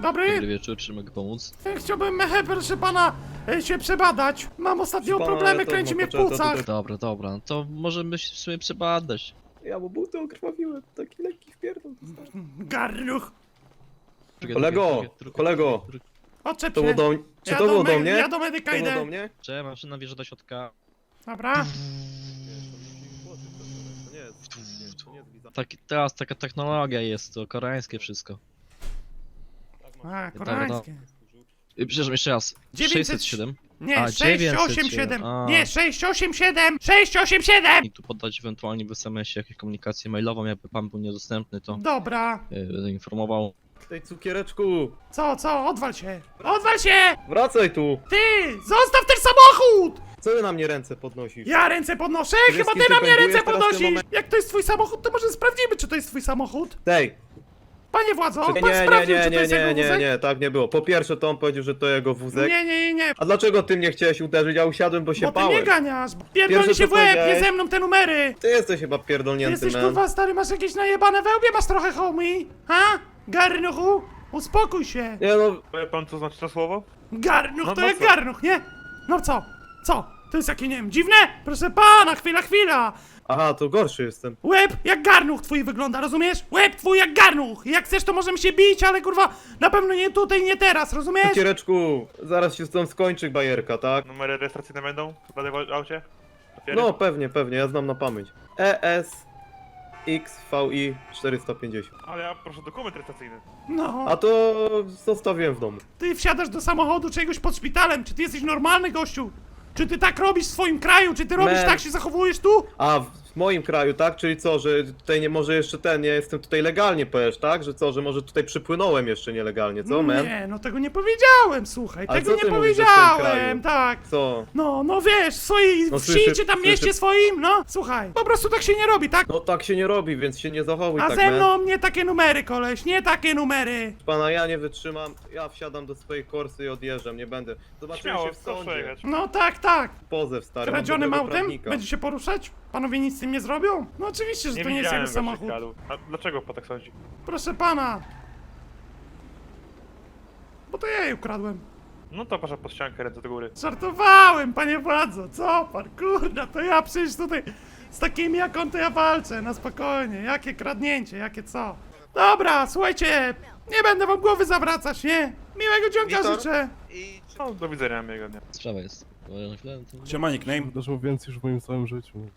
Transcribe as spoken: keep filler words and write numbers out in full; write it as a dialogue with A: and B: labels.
A: Dobry?
B: Dobry wieczór, czy mogę pomóc?
A: Chciałbym, e, proszę pana, e, się przebadać. Mam ostatnio
C: Proszę pana,
A: problemy,
C: ale to
A: kręci
C: no,
A: mnie w
C: poczekaj, to
A: płucach.
C: tutaj-
B: Dobra, dobra, no to możemy się w sumie przebadać.
C: Ja mu buty okrwawiłem, taki lekki wpierdol.
A: Garnuch,
C: Kolego, kolego.
A: odczep
C: To było
A: się.
C: do, czy
A: Ja
C: to
A: do
C: było
A: me-
C: do mnie?
A: Ja do medyka
C: To było do
A: idę.
C: mnie?
B: Czy maszyna wjeżdża do środka?
A: Dobra.
B: Taki, teraz taka technologia jest, to koreańskie wszystko.
A: A,
B: no.
A: koreańskie.
B: Y, Przepraszam, jeszcze raz.
A: dziewięćset
B: sześćset siedem.
A: Nie,
B: A,
A: sześć
B: dziewięćset
A: osiem
B: siedem.
A: siedem.
B: A.
A: Nie, sześć osiem siedem. sześć osiem siedem.
B: I tu podać ewentualnie w es em esie jakąś komunikację mailową, jakby pan był niedostępny, to
A: Dobra.
B: y, będę informował.
C: Tej cukiereczku,
A: Co, co? Odwal się. Odwal się!
C: wracaj tu!
A: Ty! Zostaw ten samochód!
C: Co ty na mnie ręce podnosisz?
A: Ja ręce podnoszę?
C: Wiesz,
A: Chyba
C: kim
A: ty
C: ty
A: na mnie
C: pędujesz
A: ręce
C: teraz w tym
A: podnosisz!
C: momencie?
A: Jak to jest twój samochód, to może sprawdzimy, czy to jest twój samochód.
C: Tej!
A: Panie władzo,
C: Nie,
A: pan
C: nie, nie,
A: sprawdził,
C: nie,
A: czy to
C: nie,
A: jest
C: nie,
A: jego
C: nie,
A: wózek?
C: nie, tak nie było. Po pierwsze to on powiedział, że to jego wózek.
A: Nie, nie, nie, nie.
C: A dlaczego ty mnie chciałeś uderzyć? Ja usiadłem, bo się
A: Bo ty mnie
C: bałem.
A: ganiasz. Pierdolnie
C: Pierwsze,
A: się w
C: co
A: łeb, nie
C: powiedziałeś-
A: ze mną te numery.
C: Ty jesteś chyba
A: Ty
C: pierdolnięty,
A: jesteś
C: man.
A: kurwa stary, masz jakieś najebane wełbie, masz trochę homie? Ha? Garnuchu? Uspokój się.
C: Nie no,
D: Wie pan co znaczy to słowo?
A: Garnuch
D: No,
A: to
D: no
A: jak
D: co?
A: garnuch, nie? No co? Co? To jest jakie, nie wiem, dziwne? Proszę pana, chwila, chwila.
C: aha, to gorszy jestem.
A: Łeb jak garnuch twój wygląda, rozumiesz? Łeb twój jak garnuch. Jak chcesz, to możemy się bić, ale kurwa, na pewno nie tutaj, nie teraz, rozumiesz?
C: Cukiereczku, zaraz się z tą skończy bajerka, tak?
D: Numery rejestracyjne będą w danym aucie? Papiery?
C: No pewnie, pewnie, ja znam na pamięć. E S X V I czterysta pięćdziesiąt.
D: Ale ja proszę dokument rejestracyjny.
A: No,
C: A to zostawiłem w domu.
A: ty wsiadasz do samochodu czegoś pod szpitalem. Czy ty jesteś normalny, gościu? Czy ty tak robisz w swoim kraju? Czy ty robisz
C: Man.
A: tak, się zachowujesz tu?
C: A w moim kraju, tak? Czyli co, że tutaj nie może jeszcze ten, nie jestem tutaj legalnie, powiesz, tak? Że co, że może tutaj przypłynąłem jeszcze nielegalnie, co, man?
A: Nie, no tego nie powiedziałem, słuchaj,
C: A
A: tego
C: co
A: nie
C: ty mówisz, że w tym
A: powiedziałem,
C: kraju?
A: tak.
C: Co?
A: No, no wiesz, w swojej
C: No
A: wsi
C: słyszę-
A: czy tam
C: słyszę-
A: mieście swoim, no, słuchaj, po prostu tak się nie robi, tak?
C: No tak się nie robi, więc się nie zachowuj
A: A
C: tak,
A: ze
C: man.
A: mną nie takie numery, koleś, nie takie numery.
C: Pana, ja nie wytrzymam, ja wsiadam do swojej korsy i odjeżdżam, nie będę. Zobaczymy
D: Śmiało,
C: się w
D: proszę
C: sądzie.
D: jechać.
A: No tak, tak.
C: Pozew, stary, mam
A: Kradzionym
C: dobrego
A: autem?
C: prawnika.
A: Będzie się poruszać? Panowie nic z tym nie zrobią? No oczywiście, że
D: Nie
A: to nie jest
D: widziałem
A: jego
D: go
A: samochód.
D: przykładu. A dlaczego pan tak sądzi?
A: Proszę pana. Bo to ja jej ukradłem.
D: No to proszę pod ściankę, ręce do góry.
A: Żartowałem, panie władzo, co pan, kurna, to ja przecież tutaj z takimi jak on to ja walczę, na spokojnie, jakie kradnięcie, jakie co. Dobra, słuchajcie, nie będę wam głowy zawracać, nie? Miłego dzionka
E: Witor?
A: życzę.
D: No do widzenia, miłego dnia.
B: Sprawa jest. Może na chwilę, to...
A: Siema, nickname.
F: Wydarzyło więcej już w moim całym życiu.